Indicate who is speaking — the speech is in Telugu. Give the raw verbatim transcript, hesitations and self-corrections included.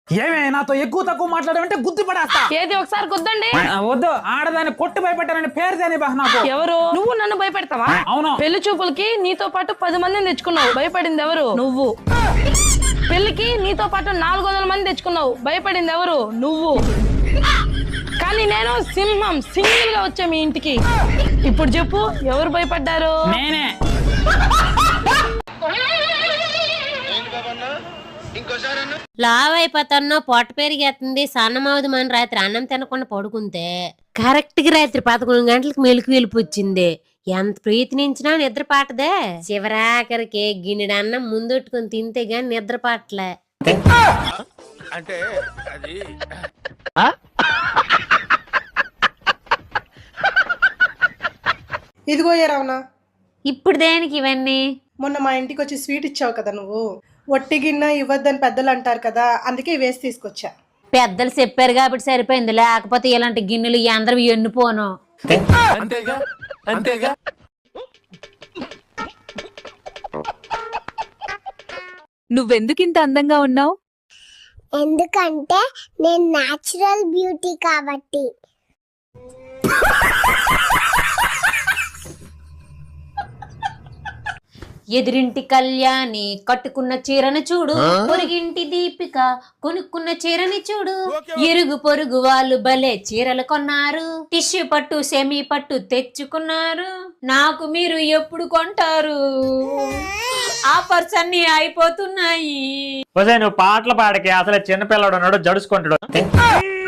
Speaker 1: ఏమే నాతో ఎక్కువ తక్కువ మాట్లాడమంటే గుద్ది పడేస్తా.
Speaker 2: ఏది ఒకసారి గుద్దండి.
Speaker 1: వద్దు, ఆడదాన్ని కొట్టి భయపెట్టానని పేరు దేని బా నాకు.
Speaker 2: ఎవరు? నువ్వు నన్ను భయపెడతావా?
Speaker 1: అవును.
Speaker 2: పెళ్లి చూపులకి నీతో పాటు పది మందిని తెచ్చుకున్నావు, భయపడింది ఎవరు? నువ్వు. పెళ్లికి నీతో పాటు నాలుగు వందల మంది తెచ్చుకున్నావు, భయపడింది ఎవరు? నువ్వు. కానీ నేను సింహం సింగిల్ గా వచ్చా మీ ఇంటికి. ఇప్పుడు చెప్పు, ఎవరు భయపడ్డారు?
Speaker 1: నేనే.
Speaker 3: లావ్ అయిపోతానో పొట్ట పెరిగేస్తుంది సన్నమవుదమని రాత్రి అన్నం తినకుండా పడుకుంటే కరెక్ట్ గా రాత్రి పదకొండు గంటలకు మెలుకు వెలుపు వచ్చింది. ఎంత ప్రయత్నించినా నిద్ర పాటదే. చివరాఖరికి గిన్నెడు అన్నం ముందొట్టుకుని తింటే గాని నిద్ర పాటలే.
Speaker 4: అంటే అది
Speaker 5: ఇదిగో ఏ రావనా,
Speaker 3: ఇప్పుడు దేనికి ఇవన్నీ?
Speaker 5: మొన్న మా ఇంటికి వచ్చి స్వీట్ ఇచ్చావు కదా నువ్వు, ఒట్టి గిన్నె ఇవ్వద్దని పెద్దలు అంటారు కదా, అందుకే వేసి తీసుకొచ్చా.
Speaker 3: పెద్దలు చెప్పారు కాబట్టి సరిపోయింది, లేకపోతే ఇలాంటి గిన్నెలు అందరూ ఎన్నుపోను.
Speaker 4: అంతేగా అంతేగా.
Speaker 6: నువ్వెందుకింత అందంగా ఉన్నావు?
Speaker 7: ఎందుకంటే నేను న్యాచురల్ బ్యూటీ కాబట్టి.
Speaker 3: ఎదురింటి కళ్యాణి కట్టుకున్న చీరను చూడు, పొరుగింటి దీపిక కొనుక్కున్న చీరని చూడు, ఇరుగు పొరుగు వాళ్ళు భలే చీరలు కొన్నారు, టిష్యూ పట్టు సెమీ పట్టు తెచ్చుకున్నారు, నాకు మీరు ఎప్పుడు కొంటారు? ఆఫర్స్ అన్ని అయిపోతున్నాయి.
Speaker 1: నువ్వు పాటలు పాడకి అసలు చిన్నపిల్లడు ఉన్నాడు, జడుచుకుంటాడు.